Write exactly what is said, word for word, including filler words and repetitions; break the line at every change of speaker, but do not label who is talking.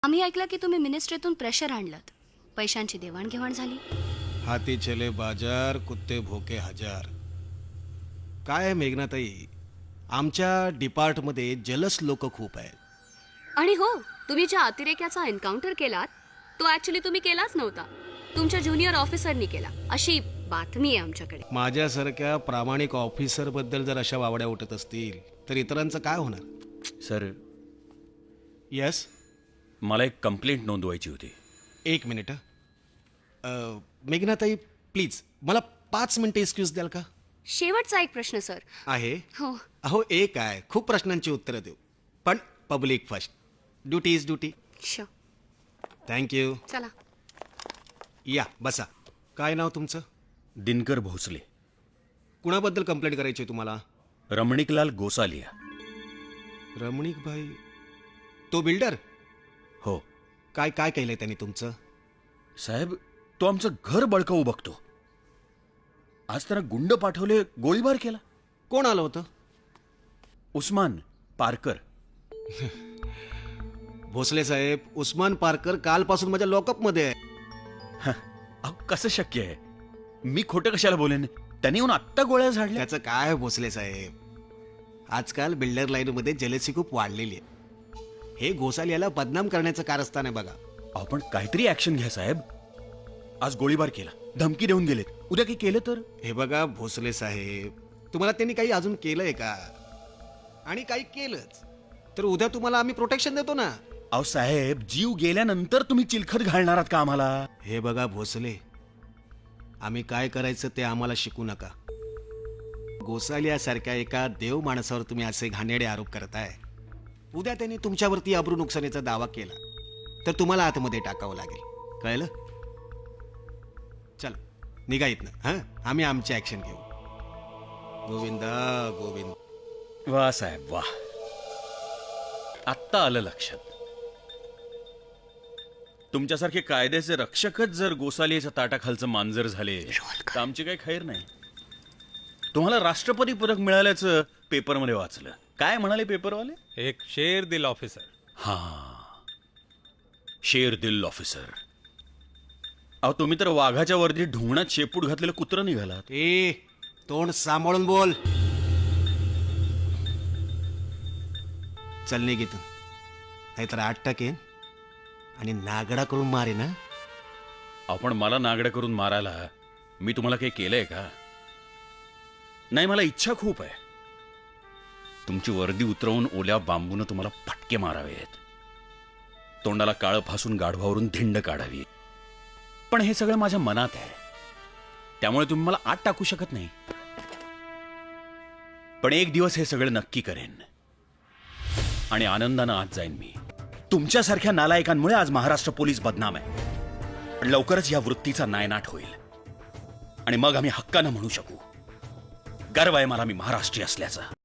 आम्ही ऐकलं की तुम्ही मिनिस्ट्रीतून प्रेशर आणलं, पैशांची देवाणघेवाण झाली.
हाती चले बाजार, कुत्ते भोके हजार. काय आहे मेघनाताई, आमच्या डिपार्टमध्ये जलस लोक खूप आहेत.
आणि हो, तुम्ही ज्या अतिरेक्याचा एन्काउंटर केलात तो ऍक्च्युली तुम्ही केलाच नव्हता, तुमच्या ज्युनियर ऑफिसरनी केला, अशी बातमी आहे आमच्याकडे.
माझ्यासारख्या प्रामाणिक ऑफिसर बद्दल जर अशा वावड्या उठत असतील तर इतरांचं काय होणार?
Sir,
yes.
मला एक कंप्लेंट नोंदवायची होती.
एक मिनिट हं. अ, मेघनाताई प्लीज मला पाच मिनिटं एक्सक्यूज द्याल का?
शेवटचा एक प्रश्न सर.
आहे.
हो,
अहो एक आहे, खूप प्रश्नांची उत्तरं देऊ, पण public first. Duty is duty.
Sure.
Thank you.
चला.
या बसा. काय नाव तुमचं?
दिनकर भोसले.
कुणाबद्दल कंप्लेंट करायची आहे तुम्हाला?
रमणिकलाल गोसालिया.
रमणिक भाई, तो बिल्डर?
हो
काय काय केलंय त्यांनी तुमचं?
साहेब, तो आमचं घर बळकावू बघतो. आज त्यानं गुंड पाठवले, गोळीबार केला.
कोण आलं होतं?
उस्मान पारकर.
भोसले साहेब, उस्मान पारकर कालपासून माझ्या लॉकअपमध्ये आहे.
अहो, कसं शक्य आहे? मी खोटं कशाला बोलेन? त्याने येऊन आत्ता गोळ्या झाडल्या.
त्याचं काय भोसले साहेब, आजकाल बिल्डर लाईनमध्ये जलसी खूप वाढलेली आहे. हे गोसालियाला बदनाम करण्याचं कारस्थान आहे बघा.
अहो, पण काहीतरी ऍक्शन घ्या साहेब. आज गोळीबार केला, धमकी देऊन गेलेत, उद्या काही केलं तर?
हे बघा भोसले साहेब, तुम्हाला त्यांनी काही अजून केलंय का? आणि काही केलंच तर उद्या तुम्हाला आम्ही प्रोटेक्शन देतो ना.
अहो साहेब, जीव गेल्यानंतर तुम्ही चिलखत घालणार आहात का आम्हाला?
हे बघा भोसले, आम्ही काय करायचं ते आम्हाला शिकू नका. गोसालियासारख्या एका देव माणसावर तुम्ही असे घाणेरडे आरोप करताय. उद्या त्यांनी तुमच्यावरती अब्रू नुकसानीचा दावा केला तर तुम्हाला आतमध्ये टाकावं लागेल, कळलं? चला निघा इथनं. हां, आम्ही आमची ऍक्शन घेऊ. गोविंदा गोविंद.
वा साहेब वा, आत्ता आलं लक्षात. तुमच्यासारखे कायद्याचे रक्षकच जर गोसालियाच्या ताटाखालचं मांजर झाले तर आमची काही खैर नाही. तुम्हाला राष्ट्रपती पदक मिळाल्याचं पेपरमध्ये वाचलं. काय म्हणाले पेपरवाले?
एक शेर दिल ऑफिसर.
हा, शेर दिल ऑफिसर. अहो, तुम्ही तर वाघाच्या वर्दीत ढुंगणात शेपूट घातलेलं कुत्रं निघालात.
ए, तोंड सांभाळून बोल. चल निघ इथून, नाहीतर आठ टाकेन आणि नागडा करून मारे ना.
आपण मला नागडं करून मारायला मी तुम्हाला काही केलंय का? नाही, मला इच्छा खूप आहे. तुमची वर्दी उतरवून ओल्या बांबून तुम्हाला फटके मारावेत, तोंडाला काळं फासून गाढवावरून धिंड काढावी. पण हे सगळं माझ्या मनात आहे, त्यामुळे तुम्ही मला आत टाकू शकत नाही. पण एक दिवस हे सगळं नक्की करेन आणि आनंदानं आत जाईन मी. तुमच्यासारख्या नालायकांमुळे आज महाराष्ट्र पोलीस बदनाम आहे, पण लवकरच या वृत्तीचा नायनाट होईल आणि मग आम्ही हक्कानं म्हणू शकू, गर्व आहे मला मी महाराष्ट्रीय असल्याचा.